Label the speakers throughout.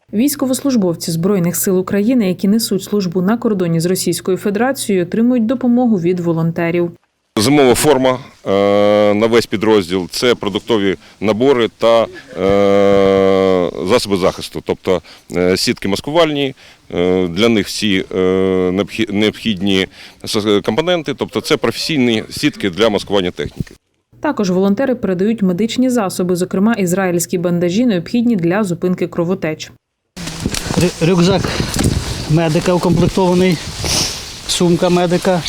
Speaker 1: Військовослужбовці Збройних сил України, які несуть службу на кордоні з Російською Федерацією, отримують допомогу від волонтерів.
Speaker 2: Зимова форма на весь підрозділ – це продуктові набори та засоби захисту, тобто сітки маскувальні, для них всі необхідні компоненти, тобто це професійні сітки для маскування техніки.
Speaker 1: Також волонтери передають медичні засоби, зокрема ізраїльські бандажі, необхідні для зупинки кровотеч.
Speaker 3: Рюкзак медика укомплектований, сумка медика.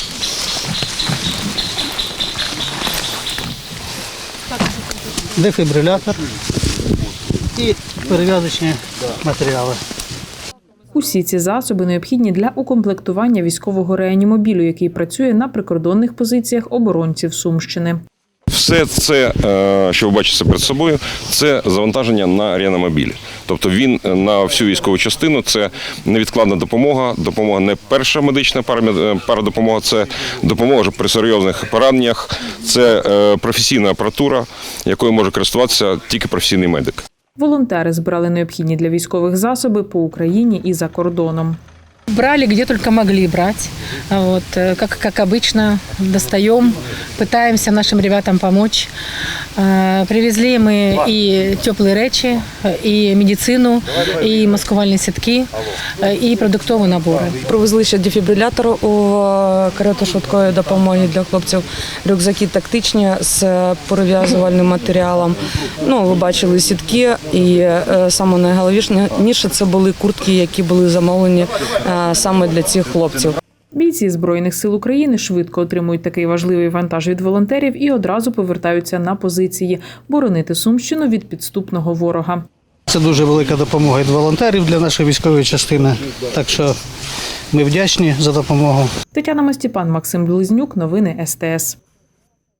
Speaker 3: Дефібрилятор і перев'язочні матеріали.
Speaker 1: Усі ці засоби необхідні для укомплектування військового реанімобілю, який працює на прикордонних позиціях оборонців Сумщини.
Speaker 2: Все це, що ви бачите перед собою, це завантаження на реанімобіль. Тобто він на всю військову частину – це невідкладна допомога, допомога не перша медична парадопомога, це допомога при серйозних пораненнях, це професійна апаратура, якою може користуватися тільки професійний медик.
Speaker 1: Волонтери збирали необхідні для військових засоби по Україні і за кордоном.
Speaker 4: Брали, где только могли брать. Вот, как обычно, достаем, пытаемся нашим ребятам помочь. Привезли мы и теплые речи, и медицину, и маскувальні сітки, і продуктові набори.
Speaker 5: Привезли ще дефібрилятор у карету швидкої допомоги для хлопців, рюкзаки тактичні з перев'язувальним матеріалом. Ви бачили сітки, і саме найголовніше це були куртки, які були замовлені саме для цих хлопців.
Speaker 1: Бійці Збройних сил України швидко отримують такий важливий вантаж від волонтерів і одразу повертаються на позиції – боронити Сумщину від підступного ворога.
Speaker 3: Це дуже велика допомога від волонтерів для нашої військової частини, так що ми вдячні за допомогу.
Speaker 1: Тетяна Мастіпан, Максим Близнюк, новини СТС.